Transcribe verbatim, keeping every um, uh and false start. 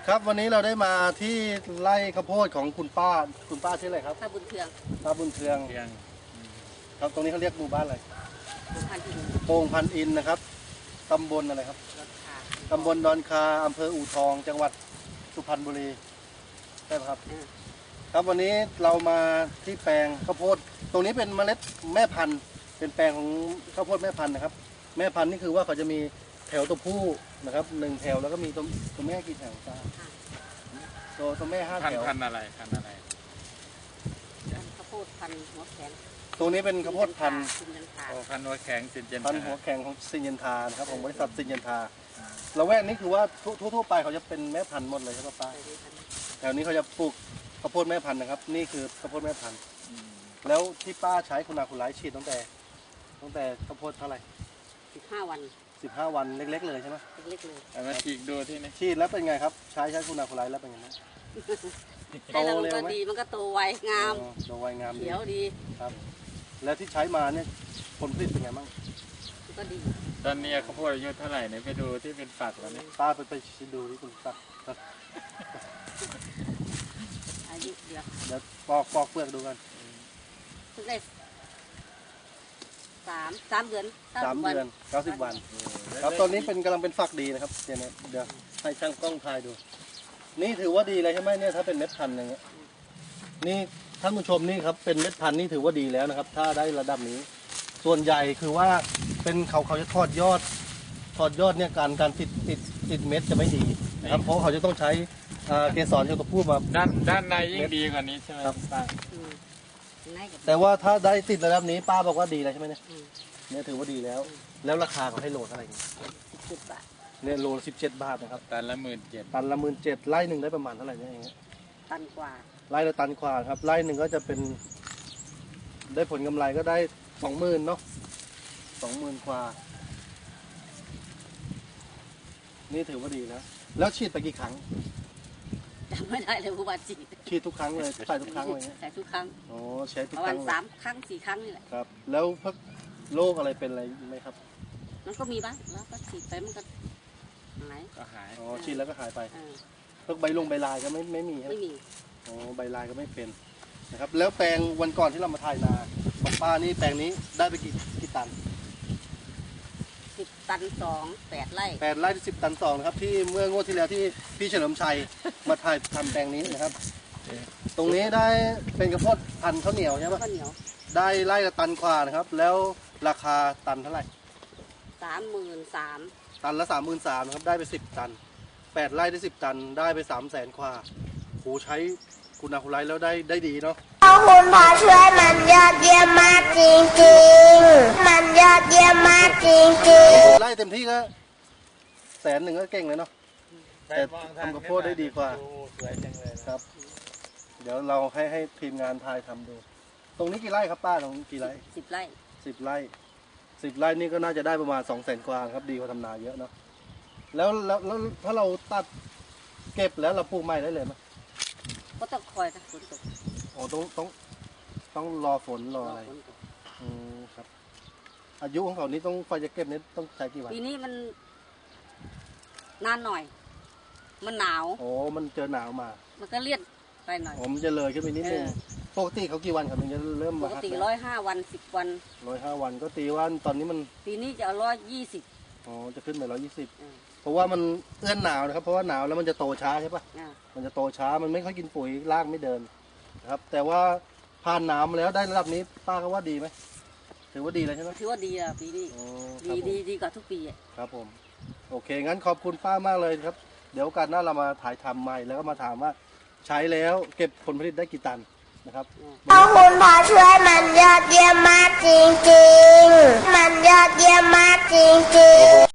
ครับวันนี้เราได้มาที่ไร่ข้าวโพดของคุณป้าคุณป้าชื่ออะไรครับป้าบุญเทืองป้าบุญเทืองครับตรงนี้เขาเรียกหมู่บ้านอะไรโป่งพันอินนะครับตำบลอะไรครับตำบลดอนคาอำเภออู่ทองจังหวัดสุพรรณบุรีใช่ไหมครับครับวันนี้เรามาที่แปลงข้าวโพดตรงนี้เป็นเมล็ดแม่พันธุ์เป็นแปลงของข้าวโพดแม่พันธุ์นะครับแม่พันธุ์นี่คือว่าเขาจะมีแถวตัวผู้นะครับหนึ่งแถวแล้วก็มีตัวตัวแม่กี่แถวจ้าตัวตัวแม่ห้าแถวพันธุ์อะไรพันธุ์อะไรข้าวโพดพันหัวแข็งตรงนี้เป็นข้าวโพดพันธุ์พันธุ์หัวแข็งซินเจนพันธุ์หัวแข็งของซินเยนทานะครับของบริษัทซินเยนทาละแวกนี้คือว่าทั่วๆไปเขาจะเป็นแม่พันธุ์หมดเลยใช่ไหมป้าแถวนี้เขาจะปลูกข้าวโพดแม่พันธุ์นะครับนี่คือข้าวโพดแม่พันธุ์แล้วที่ป้าใช้คุณอาคุณไลฉีดตั้งแต่ตั้งแต่ข้าวโพดเท่าไหร่สิบห้าวันสิบห้าวันเล็กๆเลยใช่ไหมเล็กๆเลยเอามาฉีกดูที่นี่ฉีดแล้วเป็นไงครับใช้ใช้คุณอาคุณไลแล้วเป็นไงบ้างโตเร็วไหมดีมันก็โตไวงามโตไวงามเขียวดีครับแล้วที่ใช้มาเนี่ยผลผลิตเป็นไงบ้างก็ดีตอนนี้ข้าวโพดอายุเท่าไหร่เนี่ยไปดูที่เป็นฝักแล้วนี่ป้าไปไปดูที่คุณฝักอายุเดียวเดี๋ยวปอกปอกเปลือกดูกันเพิ่งได้สามสามเดือนสามเดือนเก้าสิบวันครับตอนนี้เป็นกำลังเป็นฝักดีนะครับเดี๋ยวเดี๋ยวให้ช่างกล้องถ่ายดูนี่ถือว่าดีเลยใช่ไหมเนี่ยถ้าเป็นเม็ดพันธุ์อย่างเงี้ยนี่ท่านผู้ชมนี่ครับเป็นเม็ดพันธุ์นี่ถือว่าดีแล้วนะครับถ้าได้ระดับนี้ส่วนใหญ่คือว่าเป็นเขาเขาจะทอดยอดทอดยอดเนี่ยการการติดติดติดเม็ดจะไม่ดีนะครับเพราะเขาจะต้องใช้เกสรเจ้าตัวผู้มาด้านด้านในยิ่งดีกว่านี้ใช่ไหมครับป้าแต่ว่าถ้าได้ติดระดับนี้ป้าบอกว่าดีแล้วใช่ไหมเนี่ยเนี่ยถือว่าดีแล้วแล้วราคาเขาให้โลเท่าไหร่สิบบาทเนี่ยโลสิบเจ็ดบาทนะครับตันละหมื่นเจ็ดตันละหมื่นเจ็ดไร่หนึ่งได้ประมาณเท่าไหร่เนี่ยเองตันกว่าไร่ละตันกว่าครับไร่หนึ่งก็จะเป็นได้ผลกำไรก็ได้สองหมื่นเนาะสองหมื่นกว่านี่ถือว่าดีนะแล้วฉีดไปกี่ครั้งจำไม่ได้เลยผู้บาดเจ็บฉีดทุกครั้งเลยใส่ทุกครั้งเลยใส่ทุกครั้งโอ้ใช้ทุกครั้งสามครั้งสี่ครั้งนี่แหละครับแล้วพวกโรคอะไรเป็นอะไรไหมครับมันก็มีบ้างแล้วก็ฉีดไปมันก็หายก็หายอ๋อฉีดแล้วก็หายไปพวกใบลงใบลายก็ไม่ไม่มีครับไม่มีอ๋อใบลายก็ไม่เป็นนะครับแล้วแปลงวันก่อนที่เรามาถ่ายนาของป้านี่แปลงนี้ได้ไปกี่กี่ตันสิบตันสองแปดไร่แปดไร่สิบตันสองนะครับที่เมื่องวดที่แล้วที่พี่เฉลิมชัยมาถ่ายทำแปลงนี้นะครับตรงนี้ได้เป็นกระโพดพันธุ์ข้าวเหนียวใช่ไหมข้าวเหนียวได้ไร่ละตันกว่านะครับแล้วราคาตันเท่าไหร่สามหมื่นสามตันละสามหมื่นสามนะครับได้ไปสิบตันแปดไร่ได้สิบตันได้ไปสามแสนกว่าโหใช้คุณอาคุณไรแล้วได้ได้ดีเนาะคุณพอช่วยมันยอดเยี่ยมมากจริงๆมันยอดเยี่ยมมากจริงๆไล่เต็มที่ก็แสนหนึ่งก็เก่งเลยเนาะแต่ทำกระโพดได้ดีกว่าสวยจังเลยครับเดี๋ยวเราให้ให้ทีมงานทายทำดูตรงนี้กี่ไร่ครับป้าตรงนี้กี่ไร่สิบไร่สิบไร่สิบไร่นี่ก็น่าจะได้ประมาณสองแสนกว่าครับดีกว่าทำนาเยอะเนาะแล้วแล้วแล้วถ้าเราตัดเก็บแล้วเราปลูกใหม่ได้เลยไหมก็ต้องคอยฝนตกโอ้ต้องต้องต้องรอฝนรออะไรอืมครับอายุของเขานี้ต้องไฟจะเก็บนี้ต้องใช้กี่วันปีนี้มันนานหน่อยมันหนาวโอ้มันเจอหนาวมามันก็เลี่ยนไปหน่อยผมจะเลยขึ้นไปนิดนึงปกติเขากี่วันครับมันจะเริ่มมาปกติร้อยห้าวันสิบวันร้อยห้าวันก็ตีว่าตอนนี้มันปีนี้จะเอาร้อยยี่สิบอ๋อจะขึ้นไปร้อยยี่สิบเพราะว่ามันเอื้อนหนาวนะครับเพราะว่าหนาวแล้วมันจะโตช้าใช่ปะมันจะโตช้ามันไม่ค่อยกินปุ๋ยรากไม่เดินนะครับแต่ว่าผ่านหนาวมาแล้วได้ระดับนี้ป้าก็ว่าดีไหมถือว่าดีเลยใช่ไหมถือว่าดีอ่ะปีนี้ดีดีดีกว่าทุกปีอ่ะครับผมโอเคงั้นขอบคุณป้ามากเลยครับเดี๋ยวกันหน้าเรามาถ่ายทำใหม่แล้วก็มาถามว่าใช้แล้วเก็บผลผลิตได้กี่ตันนะครับคุณพอช่วยมันยอดเยี่ยมมากจริงๆมันยอดเยี่ยมมากจริงๆ